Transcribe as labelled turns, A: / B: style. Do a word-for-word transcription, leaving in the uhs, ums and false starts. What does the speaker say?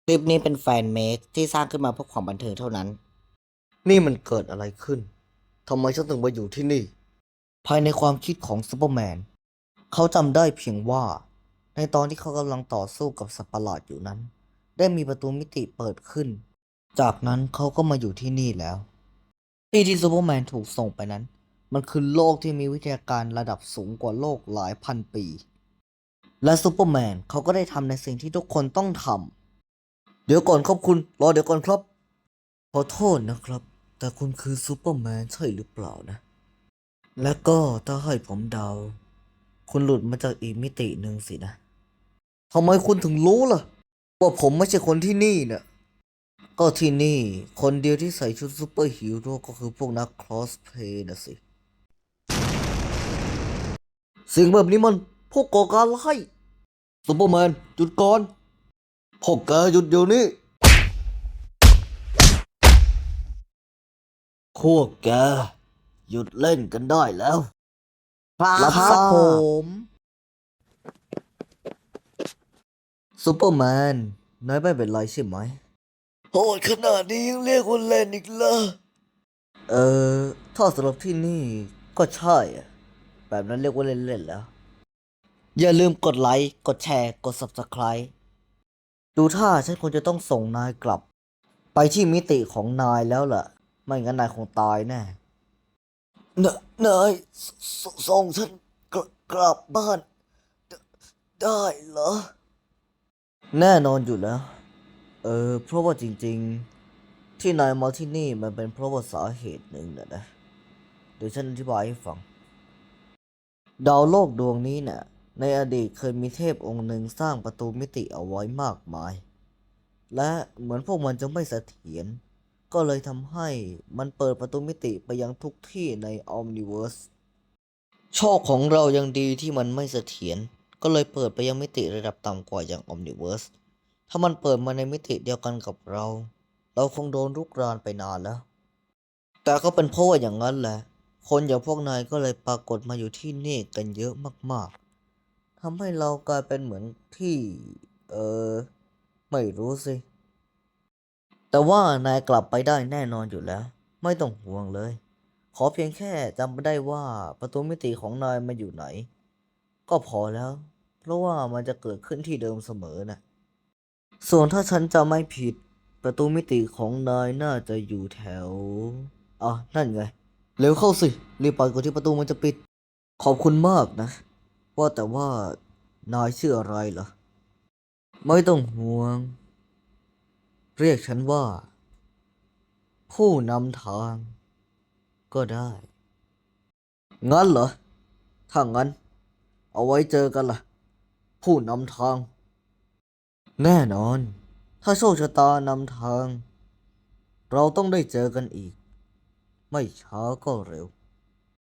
A: ลิปนี้เป็นแฟนเมคที่สร้างขึ้นมาเพื่อความบันเทิงเท่านั้น
B: นี่มันเกิดอะไรขึ้น ทำไมฉันถึงมาอยู่ที่นี่
A: ภายในความคิดของซูเปอร์แมน เขาจำได้เพียงว่า ในตอนที่เขากำลังต่อสู้กับสัตว์ประหลาดอยู่นั้น ได้มีประตูมิติเปิดขึ้น จากนั้นเขาก็มาอยู่ที่นี่แล้ว ที่ที่ซูเปอร์แมนถูกส่งไปนั้น มันคือโลกที่มีวิทยาการระดับสูงกว่าโลกหลายพันปี และซูเปอร์แมนเขาก็ได้ทำในสิ่งที่ทุกคนต้องทำ เดี๋ยวก่อนครับคุณ รอเดี๋ยวก่อนครับ ขอโทษนะครับ แต่คุณคือซูเปอร์แมนใช่หรือเปล่านะ และก็ถ้าให้ผมเดา คุณหลุดมาจากอีกมิติหนึ่งสินะ
B: ทำไมคุณถึงรู้ล่ะ ว่าผมไม่ใช่คนที่นี่เนี่ย
A: ก็ที่นี่คนเดียวที่ใส่ชุดซูเปอร์ฮีโร่ก็คือพวกนักครอสเพลย์นะสิ
B: สิ่งแบบนี้มันพวกก่อการร้ายซูเปอร์แมนหยุดก่อน พวกแกหยุดเดี๋ยวนี้ พวกแกหยุดเล่นกันได้แล้ว
A: รับทราบผมซูเปอร์แมนนายไม่เป็นไรใช่ไหม
B: โหดขนาดนี้ยังเรียกว่าเล่นอีกเหรอ
A: เออ ถ้าสำหรับที่นี่ก็ใช่อะแบบนั้นเรียกว่าเล่นๆแล้ว อย่าลืมกดไลค์ กดแชร์ กด Subscribe ดูท่าฉันคงจะต้องส่งนายกลับ ไปที่มิติของนายแล้วล่ะ ไม่งั้นนายคงตายแน่
B: นนายสสส่งฉันกลกลับบ้านไดได้เหรอ
A: แน่นอนอยู่แล้ว เออ เพราะว่าจริงๆ ที่นายมาที่นี่มันเป็นเพราะว่าสาเหตุหนึ่งนะนะ เดี๋ยวฉันอธิบายให้ฟัง ดาวโลกดวงนี้เนี่ยในอดีตเคยมีเทพองค์หนึ่งสร้างประตูมิติเอาไว้มากมาย และเหมือนพวกมันจะไม่เสถียร ก็เลยทำให้มันเปิดประตูมิติไปยังทุกที่ในออมนิเวิร์ส โชคของเรายังดีที่มันไม่เสถียร ก็เลยเปิดไปยังมิติระดับต่ำกว่าอย่างออมนิเวิร์ส ถ้ามันเปิดมาในมิติเดียวกันกับเรา เราคงโดนรุกรานไปนานแล้ว แต่ก็เป็นเพราะว่าอย่างนั้นแหละ คนอย่างพวกนายก็เลยปรากฏมาอยู่ที่นี่กันเยอะมากๆ ทำให้เรากลายเป็นเหมือนที่ เออ ไม่รู้สิ แต่ว่านายกลับไปได้แน่นอนอยู่แล้ว ไม่ต้องห่วงเลย ขอเพียงแค่จำได้ว่าประตูมิติของนายมาอยู่ไหน ก็พอแล้ว เพราะว่ามันจะเกิดขึ้นที่เดิมเสมอนะ ส่วนถ้าฉันจะไม่ผิด ประตูมิติของนายน่าจะอยู่แถวอ่ะนั่นไง เร็วเข้าสิ รีบไปก่อนที่ประตูมันจะปิด ขอบคุณมากนะ ว่าแต่ว่านายชื่ออะไรเหรอ ไม่ต้องห่วง เรียกฉันว่า ผู้นำทาง ก็ได้ งั้นเหรอ ถ้างั้น เอาไว้เจอกันล่ะ ผู้นำทาง แน่นอน ถ้าโชคชะตานำทาง เราต้องได้เจอกันอีก ไม่ช้าก็เร็ว